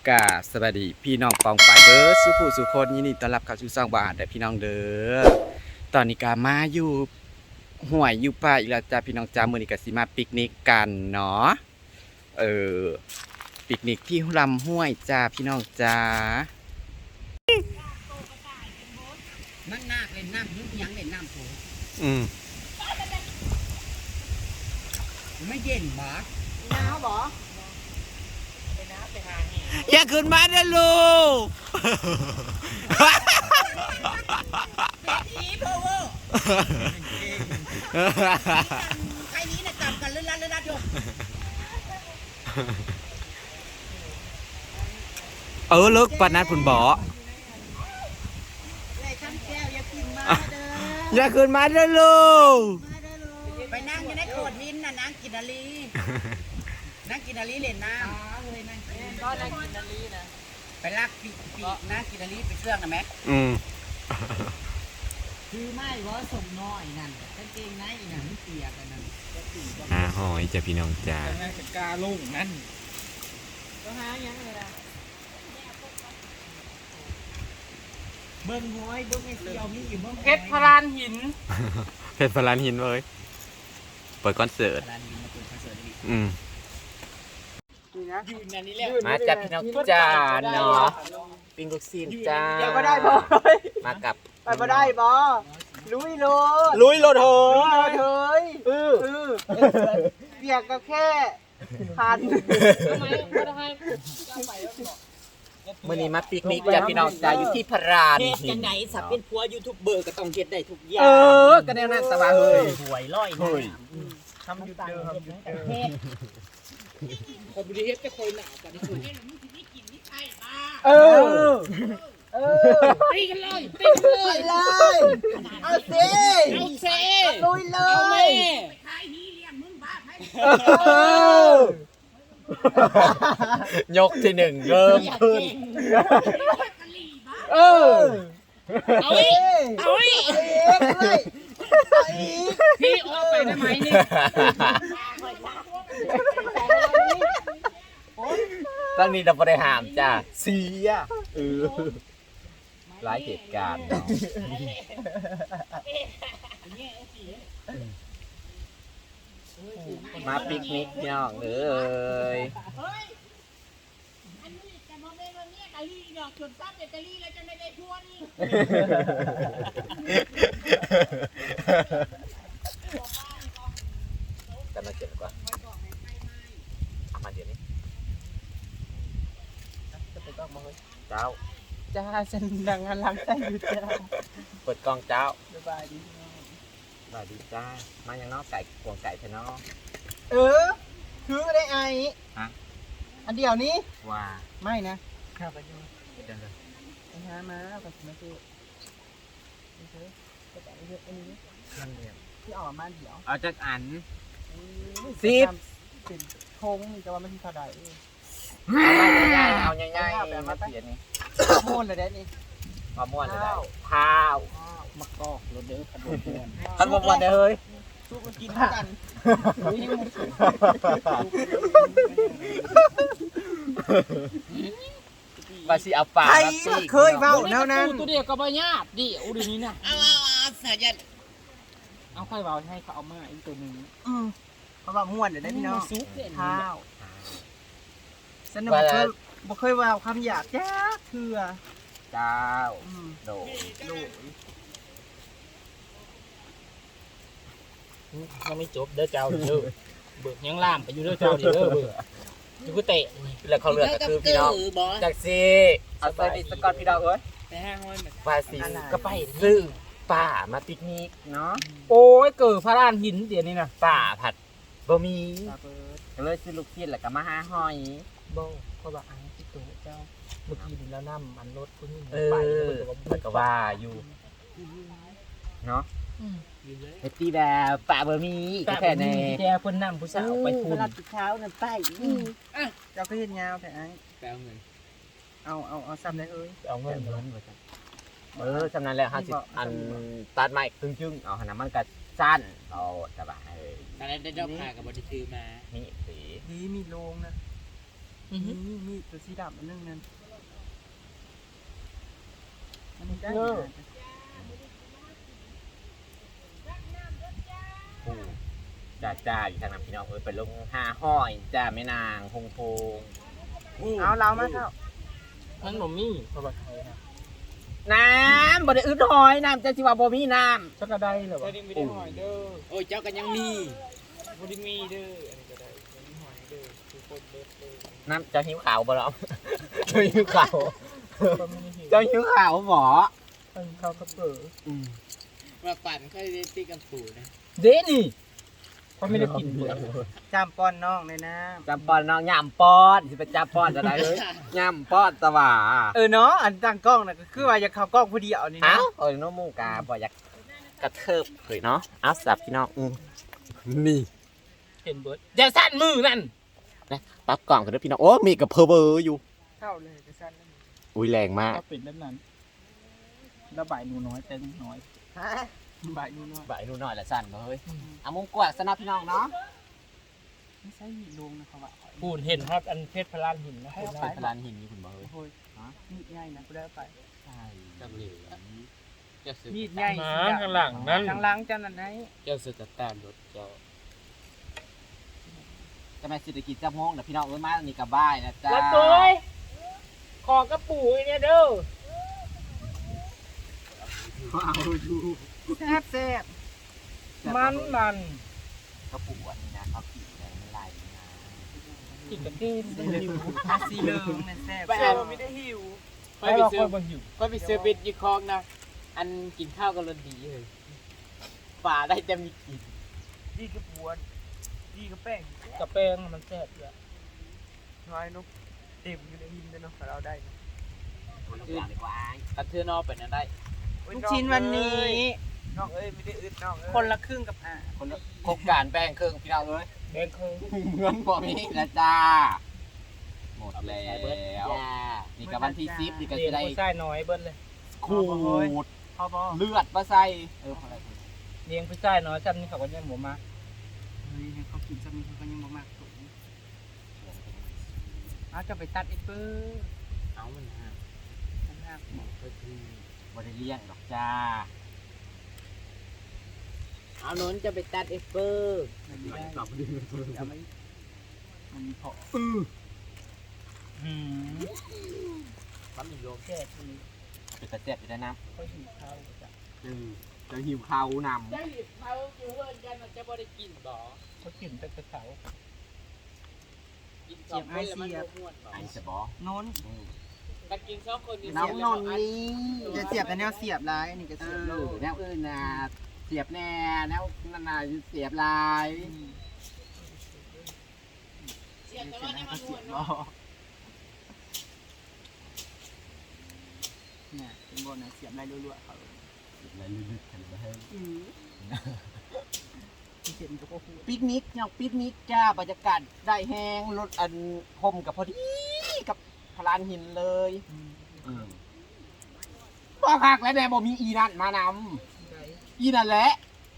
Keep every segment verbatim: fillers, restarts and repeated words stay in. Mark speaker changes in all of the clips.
Speaker 1: กาสวัสดีพี่น้องปองป่ายเบิร์ดสุผู้สุคนยินดีต้อนรับเข้าสู่ช่องบ้านแต่พี่น้องเด้อตอนนี้กามาอยู่ห่วยอยู่ป่าอีกแล้วจ้าพี่น้องจ้ามื้อนี้ก็สิมาปิกนิกกันเนาะเออปิกนิกที่ลำห้วยจ้าพี่น้องจ้า
Speaker 2: มันนาคเล่นน้ำยุบยังเล่นน้ำโผล่
Speaker 1: อืม
Speaker 2: ไม่เย็นบ่หนาวบ่ไปน้ำไปหา
Speaker 1: อย่าขึ้นมาเด้อลูก
Speaker 2: ทีเพอเวอร์ใครนี้น่ะจับกันเลื่อนลัดเลื่อนลัดอยู่
Speaker 1: เออเลิกปานนั้นพุ่นบ่อย่าขึ้นมาเด้อลูก
Speaker 2: ไปนั่งอยู่ในโขดหินน่ะนั่งกินนาลีนั่งกินนาลีเล่นน้ำก็นั่งกินนาลีนะไปลากปีกปีกนั่งกินนาลีไปเชื่องนะแม่
Speaker 1: อืม
Speaker 2: คือไม่ว่าส่งน้อยนั่นกางเกงในนั่นเปียกกันนั่น
Speaker 1: อ่าหอยจ้ะพี่น้องจ้า
Speaker 2: จะกาลุ่งนั่นก็หายังเลยนะเบิ้งห้อยเบิ้งไอ้เสี่ยวมีอยู่เบิ้ง
Speaker 3: เพชรพลานหิน
Speaker 1: เพชรพลานหินเลยเปิดคอนเสิร์ตอืมมาจับพี่น้องจ้าเนาะปิงลูกซีนจ้า
Speaker 2: อย่ามาได้บ่
Speaker 1: มากับ
Speaker 2: ไปมาได้บ่ลุยโลด
Speaker 1: ลุยโลดเถ
Speaker 2: ยเฮ้ยเออเออเปียกก็แค่พัน
Speaker 3: ทำไมไม่ได้ให้ไปแล้วบอก
Speaker 1: มื่อนี้มาปิกนิกจ้าพี่น้องจ้าอยู่ที่พราน
Speaker 2: เฮ็ดจังไหนสับเป็นผัวยูทูบเบอร์ก็ต้องเฮ็ดได้ทุกอย่าง
Speaker 1: เออก็แนวนั้นสบายเฮ้ย
Speaker 2: หวยร้อย
Speaker 1: เฮ้ย
Speaker 2: ทำยุดเดิมทำยุดเดิมคนบริเฮ็ดจะคอยหนาวกันที่สุดเออเออ
Speaker 3: ตีกันเลยตีกันเลย
Speaker 2: เลยเอาสิ
Speaker 3: เอาเซ่
Speaker 2: ลุยเลย
Speaker 3: เอาแม่
Speaker 2: ขายฮีเลี้ยงมึงบ้าให้
Speaker 1: ยกที่หนึ่งเริ่มขึ้น
Speaker 2: เออ
Speaker 3: เอาอีกเอาอีกพี่ออกไปได้ไหมนี่
Speaker 1: ตอนนี้เราไม่ได้ห้ามจ้าเสียเออหลายเหตุการณ์เนาะมาปิกนิกพี่น้องเอ้ยกันมาเจ็บกว่าเอามาเดี๋ยวนี้เจ้า
Speaker 2: จ้าฉันดังงานล้างใจอยู่เจ้า
Speaker 1: เปิดกล้องเจ้า
Speaker 2: สบายดี
Speaker 1: สบายดีจ้ามาอย่างน้อไก่กวงไก่เถอะน้อ
Speaker 2: เออคือได้ไอฮะอันเดียวนี้
Speaker 1: ว่า
Speaker 2: ไม่นะข้าวไปดู
Speaker 1: เดินเลย
Speaker 2: ไปหามาไปกินมาซื้อไปซื้อไปแต่เยอะอันนี้
Speaker 1: นั่นเดียว
Speaker 2: ที่ออกมาเดี๋ยว
Speaker 1: เอาจากอัน
Speaker 2: สิบสิบทงจะว่ามันเท่าไหร่
Speaker 1: ง่ายๆเอาง่ายๆมาเสียนี่
Speaker 2: ม้วนเลยได้นี่
Speaker 1: มาม้วนเลยได้ข้าว
Speaker 2: มะกอกรถเด้อขนมม้วน
Speaker 1: ขนมม้วนเฮ้ย
Speaker 2: สู้กันกินกัน
Speaker 1: มาสิเอาปลา
Speaker 2: เคยเมาแล้วนั้น
Speaker 3: ตัวเดียวก็บ่ยากดิโอ้ดีนี้นะ
Speaker 2: เอาเอาเอาเสียยัน
Speaker 3: เอาค่อยเบาให้เขาเอามาอีกตัวหนึ่ง
Speaker 2: อืมเขาบอกม้วนเดี๋ยวได้พี่น้องข้าวสนุกเคยบ่เคยว่าคำหยาบจ้าเถื่อ
Speaker 1: เจ้าโด
Speaker 2: โด
Speaker 3: ยังไม่จบเด้อเจ้าเด้อเบิกยังล่ามไปอยู่เด้อเจ้าดิเด้อเบิกอยู่ก็เตะ
Speaker 1: แล้วเขาเลือกก็คือพี่น้องจากซีเอาใส่ดิสกอตพี่น้องเอ้ย
Speaker 3: ไปห้างห้อยแบบ
Speaker 1: ว่าสิก็ไปซื้อป่ามาปิกนิกเนาะ
Speaker 3: โอ้ยเกิดพระรานหินเดี๋ยวนี้นะ
Speaker 1: ป่าผัดบะหมี่ก็เลยซื้อลูกชิ้นแล้วก็มาหาหอย
Speaker 3: บ่เพราะว่าอันที่ตัวเจ้าเมื่อกี้แล้วน้ำมันรถคุณนี่
Speaker 1: ไปแล้วก็ว่าอยู่เนาะเฮตตี้แบบป่าบะหมี่ก็แค่ใน
Speaker 3: แกคนนำผู้สาวไปทุน
Speaker 2: รับเช้านั่นไปเจ้าก็เห็นยาวแต่ไอ้
Speaker 3: แปลเงิน
Speaker 2: เอาเอาเอาซ้ำได้เอ้ย
Speaker 3: เอาเงินเงิน
Speaker 1: เออจำนั้นแหละห้าสิบอันตัดไม้ครึ่งจึงเอาขนาดมันก็สั้นเอาสบาย
Speaker 3: ตอนนั้นได้ดอกผ่ากับบริทือมา
Speaker 1: นี่สี
Speaker 2: นี่มีโรงนะ
Speaker 3: อือฮึ
Speaker 2: นี่มีตัวสีดำอันนึงนั่นมันได้
Speaker 3: เออ
Speaker 1: ผู้จ้าจ้าอยู่ทางนั้นพี่น้องเอ้ยไปลงห้าห้อยจ้าแม่นางพงพง
Speaker 2: เอาเรามาเท่า
Speaker 3: มันบ่มีเพราะว่าไทยนะ
Speaker 1: น้ำบ่ได้อึดหอยน้ำจะสิว่าบ่มีน้
Speaker 3: จักกระไดเหรอวะ
Speaker 4: ไม่ได้หอยเด้อ
Speaker 2: โอ้ยเจ้ากันยังมี
Speaker 4: บ่ได้มีเด้ออันนี้ก็ได้บ่ได้หอยเด้อทุกคนเด้อเด้อ
Speaker 1: ำน้ำจะหิวขาวบ่หรอ จะหิวขาว
Speaker 3: ก็ไม่ได้หิว
Speaker 1: จะหิวขาวบ่
Speaker 3: มันเข้าวกระเป๋อ
Speaker 4: ว่าปั่นเคยได้ตีกันปู่นะ
Speaker 3: เด้นี่เขาไม่ได้กินเบื่อ
Speaker 2: จำป้อนน้องเลยนะ
Speaker 1: จำปอนน้องย่ำป้อนสิไปจับป้อนจะได้เลยย่ำป้อนตะหว่า
Speaker 2: เออเนาะอันตั้งกล้องน่ะก็คือว่าอยากเข้ากล้องพอดีเอานี่
Speaker 1: เอ้า
Speaker 2: นะ
Speaker 1: เอ้ยน้องมูกาบ่อยากกระเทิบเผยเนาะเอาสับพี่น้องอืมนี่
Speaker 3: เห็นเบิร์ดอย่าสั่นมือนั่น
Speaker 1: ปรับกล่องกันด้วยพี่น้องโอ้มีกับเพอเบอร์อยู่
Speaker 2: เข้าเลยจะสั้น
Speaker 1: อุ้ยแรงมาก
Speaker 3: ก็เป็นแบบนั้นระบายหนูน้อยแต่หนูน้อย
Speaker 2: ฮะบ่ายนู่นเนาะ
Speaker 1: บ่ายดูหน่อยละสั่นเฮ้ยเอามุงกวาดสนับพี่น้องเนาะ
Speaker 2: ไม่ใช่หินลงนะครับว่า
Speaker 3: ปูนเห็นครับอันเพชรพลานหินนะ
Speaker 2: ให้
Speaker 3: คุณ
Speaker 2: เอา
Speaker 3: นะ
Speaker 2: ไป
Speaker 1: เป็นพลานหินนี่คุณบอกเฮ้ย
Speaker 2: โอ้ยมีดใหญ่นะกูได้เอาไป
Speaker 1: ใช่
Speaker 4: จังเลยเจ้าซื้อ
Speaker 2: มีดใหญ่
Speaker 3: หมา
Speaker 2: สีดำ
Speaker 3: ข้างหลังนั่น
Speaker 2: ข้างหลังจันนั่นไหน
Speaker 4: เจ้าซื้อตะตามรถเจ้า
Speaker 1: จะมาเศรษฐกิจจะมงนะพี่น้องเอ้ยมาอันนี้กับบ้ายนะจ๊ะ
Speaker 3: แล้วตัวขอกระปูเนี่ยเด้อ
Speaker 2: แซ่บแซ่บ
Speaker 3: มันมัน
Speaker 1: กระปุกอันนี้นะเขาขีดแรงไม่ไหลนะ
Speaker 3: กินกระเทียม
Speaker 2: สีเหลืองอ่ะสีเหลืองนั่นแซ่บ
Speaker 4: ไปเอาไม่ได้หิว
Speaker 3: ไป
Speaker 4: ไปไป
Speaker 3: เราค
Speaker 4: ซื้อย
Speaker 3: บนอยู่
Speaker 4: ไปไปซื้อเบ็ดยี่คองนะอันกินข้าวกันรสดีเลยป่าได้จะมีกิน
Speaker 2: ดีกับปวนดีกับแป้ง
Speaker 3: กระแป้งมันแซ่บเลย
Speaker 2: น้อยนุ๊กเต็มอยู่ในหินเลยเนาะเราได้
Speaker 1: คนละอย่างดีกว่า
Speaker 4: ตัดเทือนอไปนั่นได้
Speaker 2: ลูกชิ้นวันนี้น้องเอ้ยไม่ได้อึดน้องเอ้ยคนละครึ่งกับอ่า
Speaker 1: คนละโครงการแป้งเครื่องพี่น้องเอ้ย
Speaker 3: แดงคือ
Speaker 1: เงินบ่มีแล้วจ้าหมดแล้
Speaker 4: ใส่เบิด
Speaker 1: ว
Speaker 4: จ้า
Speaker 1: นี่กับวันที่สิบนี่ก็
Speaker 3: เรีย
Speaker 1: จะ
Speaker 3: น
Speaker 1: ได้
Speaker 3: ผู้ชายน้อยเบิ้ลเลย
Speaker 1: ขูด
Speaker 2: พ่อบอก
Speaker 1: เลือดมาใส่เออพอแล้ว
Speaker 3: เลี้ยงผู้ชายน้อยจำนี่เขาก็ยังหมูมา
Speaker 2: เฮ้ยให้เขากินจะมีเขาก็ยังบ่มากสูงอ้าวจะไปตัดอีกเปิ้ล
Speaker 4: เอามันฮะ
Speaker 2: ตัดหัก
Speaker 4: ก็คือ
Speaker 1: บ่ได้เลี้ยงดอกจ้า
Speaker 4: เอาโน้นจะไปตัดเอฟเฟอร์
Speaker 2: มันไม่ได้จะไม่มันมีพอ
Speaker 3: อืม
Speaker 4: ปั๊มอีกโยม
Speaker 3: แค่ที
Speaker 1: เป็นตะเจ็บอยู่ได้นะ
Speaker 3: เขาหิวข้าวจ้ะ
Speaker 1: อืมจะหิวข้าวนำ
Speaker 4: ได้หยิบเขาอยู่เพื่อนกันมันจะบ่ได้กินบ่
Speaker 3: เขากินแต่กระเสา
Speaker 4: กินสองคนแล้วมันบ่ม่วนบ่
Speaker 1: ไอ้สบอ
Speaker 2: โน้น
Speaker 1: อืม
Speaker 4: ถ้ากินสองคนนี่
Speaker 1: น้องนนท์นี่
Speaker 2: จะเสียบแต่แนวเสียบร้ายนี่ก็
Speaker 1: เอ
Speaker 2: เสียบ
Speaker 1: อ
Speaker 2: โลด
Speaker 1: แนวอื่นน่ะเสียบแน่แนวนั่นน่ะเสียบลาย
Speaker 4: เสียแต่ว่านี่
Speaker 2: ก็
Speaker 4: มัน
Speaker 2: เสี
Speaker 4: ม่
Speaker 2: ยว บ
Speaker 4: น
Speaker 2: ล้อ
Speaker 4: เนาะ
Speaker 2: เนี่ยเป็นบนนะเสียบได้รัวๆเขา
Speaker 1: อะไรลึกๆกันไปให้
Speaker 2: ที่เห็นก็พูด
Speaker 1: ปิกนิกเนี่ยปิกนิกจ้าบรรยากาศได้แห้งรถอันพรมกับพอดีกับพลานหินเลยอืมบ่คักแล้วแน่บ่มีอีนั่นมานำอีนั่นแหละ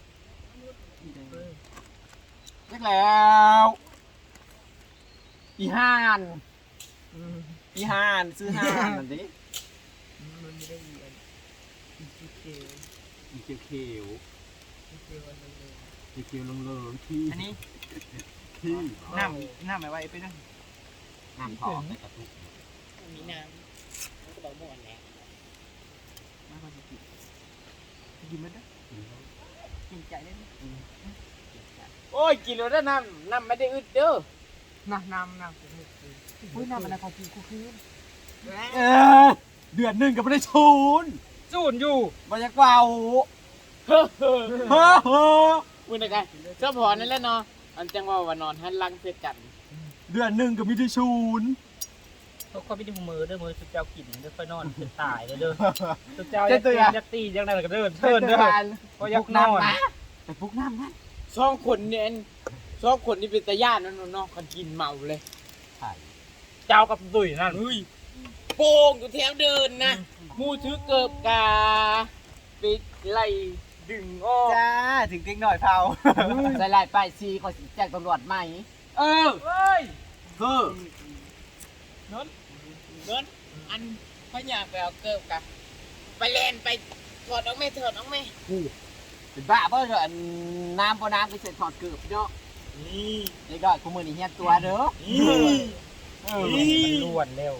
Speaker 1: เรียกแล้วอีห่านอีห่านซื้อห่านนั่นดิ
Speaker 2: มันไม่ได้เรียนอีกเกล
Speaker 1: อีเขียวเขียว
Speaker 2: อีกเกลอันนึงเลย
Speaker 1: อีเขียวลงเลิงที่
Speaker 2: อันนี้
Speaker 1: ที่
Speaker 2: น้ำน้ำไม่ไหวไปนะ
Speaker 1: น้ำทอดใส่กระตุก
Speaker 4: มีน้ำมันก็บอกม่วนแหละ
Speaker 2: มาพอดีกินกินมันนะกินใจได้ไหม
Speaker 4: โอ้ยกินแล้วได้น้ำน้ำไม่ได้อึดเด้อ
Speaker 2: น้ำน้ำน้ำกูไม่กินอุ้ยน้ำมันอะไรกินกูคืน
Speaker 1: เออเดือนหนึ่งก็ไม่ได้ชูน
Speaker 3: สูนอยู่
Speaker 1: บรรยากาศ
Speaker 4: เฮ้อเฮ้อ
Speaker 1: เฮ้อเฮ้อ
Speaker 4: มึงนะกันเจ้าพอนั่นแหละเนาะอันจังว่าว่านอนหันหลังเสียกัน
Speaker 1: เดือนหนึ่งก็ไม่ได้ชูน
Speaker 3: เขาเขาไม่ได้มือเด้อมือสุดเจ้ากินเด้อค่อยนอนเป็นตายเด้อเด้อสุดเจ้ายักตียักตียังไงก็เดินเทินเด้อเพราะยักนอน
Speaker 1: ไปปลุกน้ำนะ
Speaker 4: สองคนเนี่ยสองคนนี่เป็นตาญาตินั่นเนาะกันกินเมาเลย
Speaker 1: ใช่
Speaker 3: เจ้ากับดุยนั่น
Speaker 4: เฮ้ยโป่งอยู่แถวเดินนะมูถือเกิบกาไปไล่ดึงออก
Speaker 2: จ้าถึงเด็กหน่อยเผา
Speaker 1: ใส่ลายป้ายซีขอแจ้งตำรวจไหม
Speaker 4: เออ
Speaker 3: เฮ้ย
Speaker 1: คือ
Speaker 4: นนนนอันพ่ออยากไปเอาเกิบกะไปเล่นไปถอดออกไหมถอดออกไหม
Speaker 2: เป็นบ้าเพราะอันน้ำพอน้ำไปเสร็จถอดเกือบเนาะ
Speaker 4: นี่
Speaker 2: เด็กดอยกูมือนี่เฮียตัวเด้อ
Speaker 4: นี่
Speaker 3: เออมันล้วนเร็ว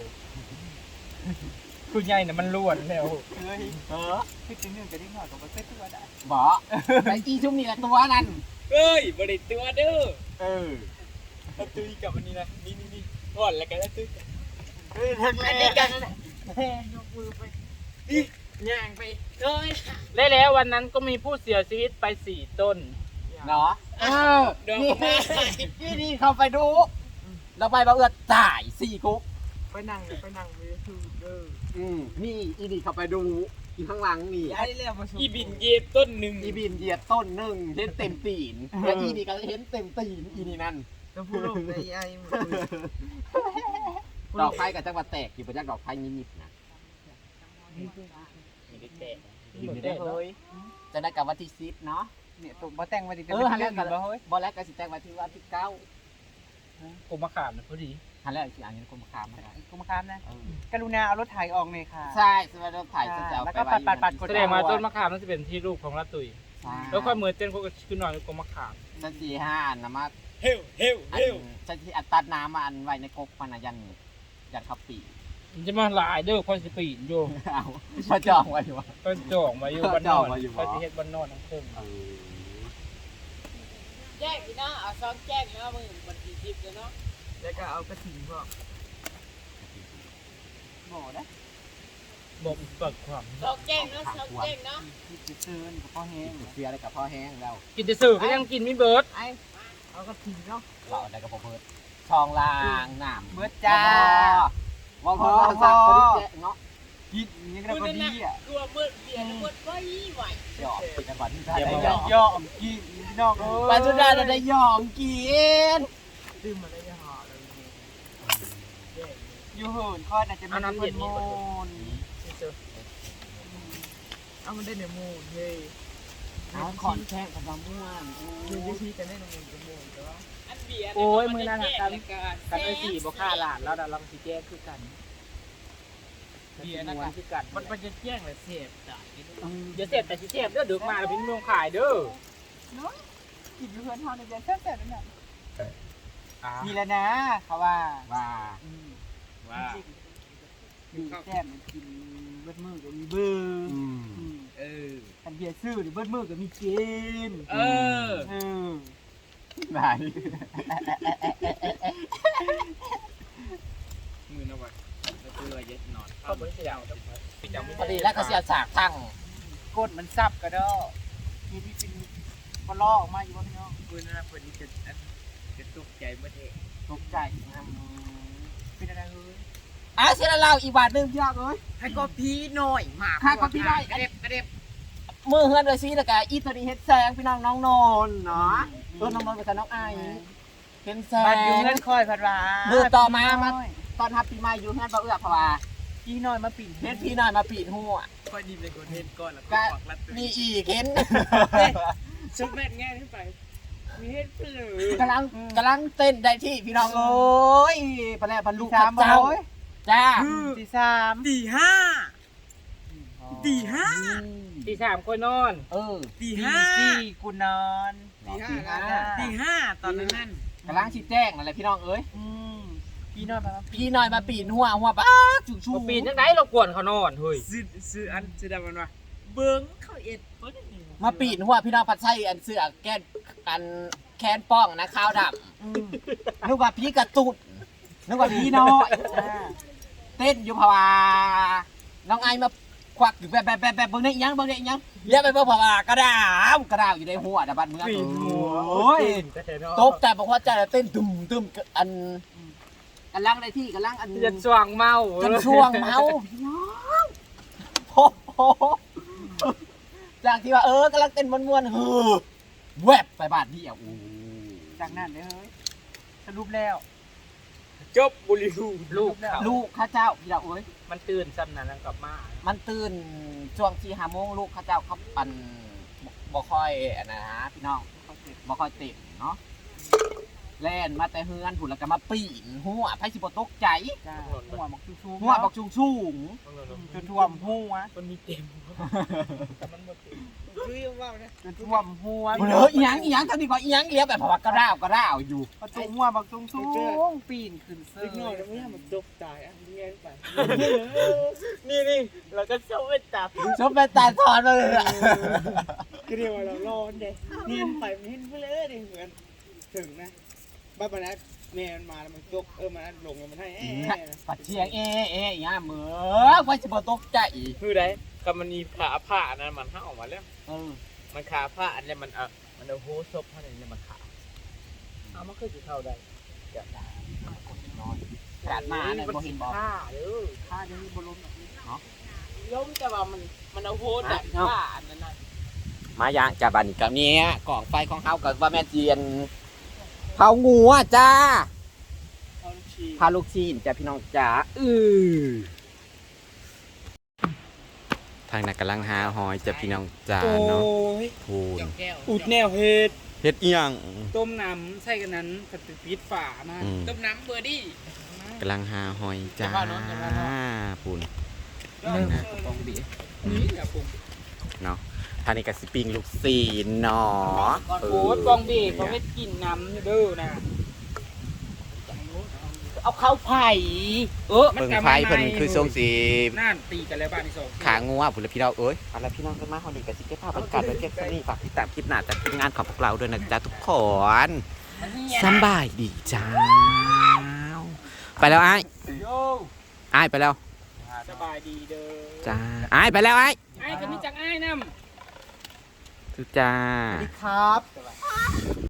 Speaker 3: คุณใหญ่น่ะมันล้วนเร็ว
Speaker 2: เฮ้ยเออ
Speaker 3: พี่จริงๆจะได้หน่อยก็บ่เป็นตัวได้
Speaker 2: บ่ไอ้อีชุ่มนี่แหละตัวนั่น
Speaker 4: เอ้ยบริตัวเด้อ
Speaker 2: เออ
Speaker 4: เอาตุ้ยกับอันนี้นะนี่นี่นี่ถอดแล้วกันแล้วตุ้ย
Speaker 2: เฮ้ยทั้ง
Speaker 4: อัน
Speaker 2: แม่
Speaker 4: นี้กันนั่นแหละยกมือไปนี่ย่างไปเอ้ย
Speaker 3: และแล้ววันนั้นก็มีผู้เสียชีวิตไปสี่ต้น
Speaker 2: เนาะเออ
Speaker 4: ดอก
Speaker 2: นี่
Speaker 4: ไม้
Speaker 2: นี่นี่เข้าไปดูเราไปบ่เอื้อตายสี่กุ๊ก
Speaker 3: ไปนั่งไปนั่งไปคือเด้อ
Speaker 2: อืมนี่อีนี่เข้าไปดูอีข้างหลังนี่
Speaker 3: ย้ายแล้วมา
Speaker 4: อีบินเย็บต้นหนึ่ง
Speaker 2: อีบินเหยียดต้นหนึ่งเห็นเต็มตีนแล้วอีนี่ก็เห็นเต็มตีนอีนี่นั่น
Speaker 3: แล้วผู้ลงได้ย้าย
Speaker 2: ดอกไผ่กับจังหวัดแตกอยู่ประจักดอกไผ่นิดๆนะ
Speaker 4: ไม่ได้แตะ
Speaker 2: อยู่ในเฮ้ยจะได้กับวันที่สิบเนาะ
Speaker 3: เนี่ยตัวบ่แต่งมาดิ
Speaker 2: เออฮันแล้วกันบ่เฮ้ยบ่แล้วก็สิแต่งวันที่วันที่เก้า
Speaker 3: กูมาขามนะพอดี
Speaker 2: ฮันแล้วสิอ่านเงินกรมคามมาได้
Speaker 3: กูมาขามนะกรุณาเอารถไถออกเลยค่ะ
Speaker 2: ใช่สวัสดีถ่ายจะเอา
Speaker 3: แล้ว
Speaker 2: ไป
Speaker 3: ก็ปัดปัดปัด
Speaker 2: ไว้
Speaker 3: แสดงมาต้นมะขามนั่นจะเป็นที่ลูกของละตุย
Speaker 2: ใช่
Speaker 3: แล้วค่อยมือเต้นพวกขึ้นหน่อยกูมาขาม
Speaker 2: สันสี่ห้าอันนะมา
Speaker 4: เฮลเฮล
Speaker 2: อั
Speaker 4: เฮ
Speaker 2: น
Speaker 4: ล
Speaker 2: สันที่อัดตัดน้ำมาอันไว้ในกกมันนะยันยันขับปี
Speaker 3: มันจะมาหลายเด้อค่อยสิปีนอยู่
Speaker 2: เอาพอจองไว้อยู่วะ
Speaker 3: ก็จองมาอยู่บ้านน
Speaker 2: จ
Speaker 3: อ
Speaker 2: อง
Speaker 3: น
Speaker 2: มาอยู่บ่
Speaker 3: ค่อยสิเฮ็ดบ้านนอนทั้งคืน
Speaker 4: แจ้งพี่นะเอาซ้อมแจ้งแล้วมึงบันทีทิพย์เลยเนาะ
Speaker 3: แล้วก็เอากระถิ่นก็
Speaker 2: บ่ได้
Speaker 3: บอกเปิดความ
Speaker 4: ซ้อมแจ้งเนาะซ้อมแจ้งเนาะ
Speaker 2: จะเชิญกับพ่อแห้งเสียอะไรกับพ่อแห้งแล้ว
Speaker 3: กินจะสื่อก็ยังกินไม่เบิร์ด
Speaker 2: ไอ้
Speaker 3: เอากระถิ่นเนาะ
Speaker 2: เราได้กับพ่อเพิร์ดทองลางน้ำ
Speaker 3: เบิดจ้า
Speaker 2: ว่าพอสักคนที่เนาะ
Speaker 3: กินยังก็พอดีอ่ะ
Speaker 4: กลัวเมื่อเบียร์เมื่อไว้ไหว
Speaker 2: หยอกกินกันก่อนที่ได้
Speaker 3: อย่า
Speaker 2: ห
Speaker 3: มาย
Speaker 2: อก
Speaker 3: ย่อมกินน้องเอ้ย
Speaker 2: ปัจจุบันได้หยอกกิน
Speaker 3: ดื่มมาได้ยังหอเลยอยู่เหินค่อยน่าจะมีคนโมนเอามันได้เดี๋ยวโมนเฮ้ย
Speaker 2: เอาขอนแข้งกับมะม่วง
Speaker 3: คือวิธีกันได้ในมือจะโมนแต่ว่า
Speaker 4: อันเบียร์
Speaker 3: โอ้ยมือนั่นน่ะกันกันไอ้สี่บ่ฆ่าหลานแล้วเราสิแจ้งคือกันเบียร์นะกันคือกันมันมันจะแจ้งเลยเสพจ้ะอย่าเสพแต่สิเสพเด้อดึกมาแล้วพี่เมืองขายเด้อ
Speaker 5: กินอยู่เพื่อนเฮาในเดือนแซ่บๆนั่นน่ะ
Speaker 3: มีแล้วนะเขาว่า
Speaker 2: ว่า
Speaker 4: ว่า
Speaker 5: มีแซ่บกินเบิดมือก็มีเบิ่ง
Speaker 2: อืม
Speaker 5: อืม
Speaker 4: เออ
Speaker 5: คันเบียร์ซื้อนี่เบิดมือก็มีกิน
Speaker 4: เออ
Speaker 5: เออ
Speaker 2: ไหน
Speaker 4: มือนะวะแล้วตัวเย็ดนอน
Speaker 3: เขาบ่ได้เดาพี่จำไม่
Speaker 2: พอดีแล้วก็เสียสากทั้ง
Speaker 5: กดมันซับก็ดอมีที่เป็นปลอกออกมาอยู่บ่พี่น้อง
Speaker 4: มือนะพอดีจะจะตกใจเมื่อเท
Speaker 2: ตกใจนะ
Speaker 5: เป็นอะไรเฮ้ย
Speaker 2: อ่ะเสียแล้วเราอีกบาทหนึงพี่น้องเอ้ย
Speaker 4: ให้ก็พี่หน่อยมาก
Speaker 2: ให้ก็พี่ได้
Speaker 4: กระเด็บกระเด็บ
Speaker 2: มือเฮือนเลยสิแล้วก็อีตัวนี้เฮ็ดแซงพี่น้องน้องนนท์เนาะเออน้องนนท์กับน้องไอเห็นแซ
Speaker 5: บ้านอยู่
Speaker 2: ง
Speaker 5: เงินคอยพัดว่า
Speaker 2: มือต่อมามาตอนทับปีใหม่อยู่เฮือนบ่เอื้อเพราะว่า
Speaker 5: พี่น้อยมาปิ่น
Speaker 2: เฮ็ดพี่น้อยมาปีนหัว
Speaker 4: ค่อยดีเลยคนเห็นก่อนแล้วก็
Speaker 2: ก็
Speaker 4: ปักลัดตัว
Speaker 2: มีอีกเห็น
Speaker 4: ชุดแม่ง่ายขึ้นไปมีเห็ดเปลือก
Speaker 2: ำลังกำลังเต้นได้ที่พี่น้องโอ้ยปลาแหล่ปลาลูก
Speaker 5: สาม
Speaker 2: เจ้า
Speaker 5: โอ้ย
Speaker 2: จ้า
Speaker 5: ที่สาม
Speaker 4: ตีห้าตีห้า
Speaker 3: ตีสามคนนอน
Speaker 2: เออ
Speaker 4: ตี
Speaker 5: ที่
Speaker 4: ห้า
Speaker 5: สี่กูนอน
Speaker 4: ตีห้า
Speaker 2: ตีห้า
Speaker 4: ตีห้าตอนนั้นนั่น
Speaker 2: กำลังชี้แจ้งอะไรพี่น้องเอ้ย
Speaker 5: อืมพี่น้อยมา
Speaker 2: พี่น้อยมาปีนหัวหัวป้าจู่ชู
Speaker 3: บ่ปีนจังได๋เรากวนเขานอนเฮ้ย
Speaker 4: ซื้อซื้ออันซื้อดำมันวะเบิ้งเขาเอ็ดเบิ้ง
Speaker 2: มาปีนหัวพี่น้องผัดไส้อันเสือแก้นอันแคนป้องนะข้าวด
Speaker 5: อืม
Speaker 2: ำนึกว่าพี่กระตุดนึกว่าพี่น้อย
Speaker 5: จ้า
Speaker 2: เต้นอยู่เพราะว่าน้องไอมาควักอยู่แบบแบบแบบแบบเบิ่งได้อีหยังเบิ่งได้อีหยังเรียกไปเบิ่งเพราะว่ากระดาวกระดาวอยู่ในหัวนะบ้านเมืองโอ้ยตกใจบอกว่าใจเต้นตึมตึมอันกำลังในที่กำลังอัน
Speaker 3: จะสว่างเมา
Speaker 2: จนช่วงเมาพี่น้องโอ้โหจากที่ว่าเออกำลังเต้นมวนๆเฮ้อแวบไปบ้านพี่อ่ะโอ้
Speaker 5: จากนั้นเด้อเฮ้ยสรุปแล้ว
Speaker 4: จบบุรีรู
Speaker 3: ลูกเขา
Speaker 2: ลูกข้าเจ้าพี่ดาวเอ้ย
Speaker 3: มันตื่นซ้ำนั้นแล้วกลับมา
Speaker 2: มันตื่นช่วงที่ห้าโมงลูกข้าเจ้าเขาปั่นบ่บ่ค่อยอันนะฮะพี่น้องบ่ค่อยติดเนาะแล่นมาแต่เฮือนผุนแล้วก็มาปีนหัวไผสิบ่ตกใจ
Speaker 5: จ้าหัวบักชูๆ
Speaker 2: หัวบักชุงชุง
Speaker 5: จนท่วมหัว
Speaker 3: มันมีเต็มแต่มันหมด
Speaker 4: คือว่านะ
Speaker 5: จนท่วมหัว
Speaker 2: ๆเฮ้ยอีหยังอีหยังเท่านี้ก่อนอีหยังเลี้ยวแบบเพราะว่ากระด้าวกระด้าวอยู่
Speaker 5: ประตูหัวบักสูงสูงปีนขึ้นเสื้
Speaker 4: เล็กน้อย
Speaker 5: อ
Speaker 4: แล้วเนี่ยมันจบตายอ่ะเงี้ยไปนี่นี่เราก็ชอบไปจับ
Speaker 2: ชมเป็นตาทอนมาเลยอะ
Speaker 4: ก็เรียกว่าเราร้อนเด็กเงี้ยไปมันเห็นไปเลยดิเหมือนถึงนะบ้านปนัดแม่มันมาแล้วมันจกเออมันลงแล้วมันให้เอ๊ะ
Speaker 2: ปัดเชียงเอ๊ะเอ๊ะอีหยังเหมือไผสิบ่ตกใจ
Speaker 4: คือไดก็มันมีขาผ้านั้นมันห้าออกมาแล้ว
Speaker 2: เออ
Speaker 4: มันขาผ้าอันนี้มันเออมันเอาโฮซบผ้าอันนี้มันขา
Speaker 3: เอามาคือสิเข้าได้
Speaker 2: กาดมาเนี่ยบ่เห็นบ่
Speaker 3: ค่าเด้อ
Speaker 5: ข้าจะมีบอลลูนแบบนี้
Speaker 3: ล้มแต่ว่ามันมันเอาโหดันค่าอันนั้นน่ะ
Speaker 2: มาอย่างจากบ้านนี้กับเนี้ยกล่องไฟของเฮากับว่าแม่เจียนเผางัวจ้า
Speaker 3: เอาลูกชี
Speaker 2: พาลูกชีนจ้าพี่น้องจ๋าอือทางนั้นกำลังหาหอยจ้าพี่น้องจ๋าเนาะพูน
Speaker 3: แก้ว
Speaker 5: อุดแนวเฮ็ด
Speaker 2: เฮ็ดอีหยัง
Speaker 5: ต้มน้ำใส่กันนั้นก็จะปิดฝามา
Speaker 2: อืม
Speaker 3: ต้มน้ำเบอร์ดี้
Speaker 2: กำลังหาหอยจ้าพูน
Speaker 5: เริ่ม
Speaker 2: ปองบี
Speaker 3: นี่แหละผม
Speaker 2: เนาะทางนี้กับสปริงลูกซีนเนาะ
Speaker 3: ก่อนโอ้ยปองเบกเขาไม่กินน้ำอยู่เด้อนะ
Speaker 2: เอาเข้าไผ่เออเบิ่งไผ่เพิ่นคือทรงสี
Speaker 3: น่านตีกันแล้วบ้านที่สอง
Speaker 2: ขางัวผุนละพี่เราเอ้ยเอาละพี่น้องกันมาฮอดีกับสิเก็บภาพบรรยากาศไว้เพียงเท่านี้ฝากติดตามคลิปหน้าจากทีมงานของพวกเราด้วยนะจ๊ะทุกคนสำบายดีจ้าไปแล้วไอ้าย
Speaker 3: โย
Speaker 2: อ้ายไปแล้ว
Speaker 3: สบายดีเด้อ
Speaker 2: จ้าอ้ายไปแล้วไอ้าย
Speaker 3: ไอ้ก็มีจักไอ้น้ำ
Speaker 2: ทุกจ้า
Speaker 5: ครับ